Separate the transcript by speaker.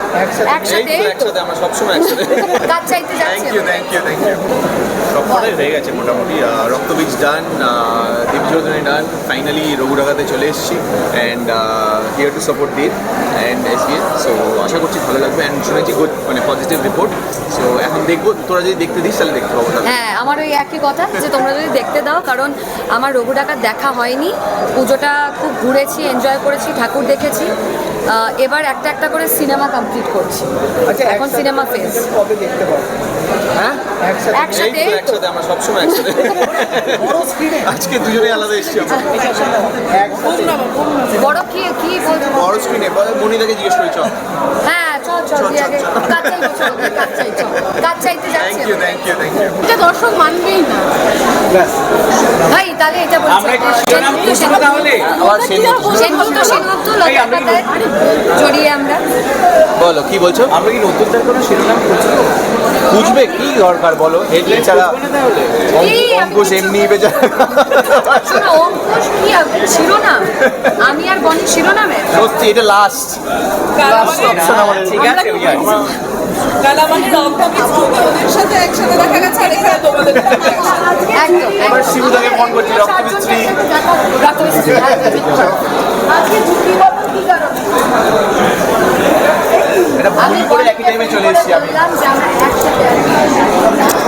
Speaker 1: একসাথে আমরা সবসময় একসাথে কাজ চাইতে যাচ্ছি। থ্যাংক ইউ সবটাই হয়ে গেছে মোটামুটি। Raktabeej done, Dipjyoti done, finally Raghu ডাকাতে চলে এসেছি and here to support Deep and SBF. So আশা করছি ভালো লাগবে অ্যান্ড শুনেছি গুড মানে পজিটিভ রিপোর্ট। সো এখন দেখবো, তোরা যদি দেখতে দিস তাহলে দেখতে পাবো।
Speaker 2: হ্যাঁ, আমার ওই একই কথা যে তোমরা যদি দেখতে দাও, কারণ আমার রঘু ডাকাত দেখা হয়নি। পুজোটা খুব ঘুরেছি, এনজয় করেছি, ঠাকুর দেখেছি। এবার একটা একটা করে সিনেমা কমপ্লিট করছি। এখন সিনেমা ফেজ।
Speaker 1: হ্যাঁ
Speaker 2: একসাথে
Speaker 1: আমরা সবসময় একসাথে। আজকে দুজনে আলাদা এসেছি আমরা।
Speaker 2: বড় কি কি বলছো?
Speaker 1: বড় স্ক্রিনে মনিদাকে জিজ্ঞেস করি চল।
Speaker 2: হ্যাঁ চল আগে কাজ চাইতে যাচ্ছি।
Speaker 1: থ্যাংক ইউ
Speaker 2: এটা দর্শক মানবেই না ভাই। তাহলে এটা বলছি জড়িয়ে আমরা।
Speaker 1: বলো কি বলছো?
Speaker 3: আমরা কি নতুনদের কোনো শিরোনাম
Speaker 1: বুঝবে কি দরকার বলো? হেডলাইন ছাড়া অঙ্কুশ এমনি বেচারা।
Speaker 2: অঙ্কুশ কি শিরোনাম? আমি আর বনি শিরোনামে
Speaker 1: সত্যি এটা লাস্ট অপশন আমাদের।
Speaker 3: ঠিক আছে
Speaker 1: এবার শিবুদাকে ফোন করছি রক্তমিস্ত্রি। এটা ভুল করে একই টাইমে চলে এসেছি আমি।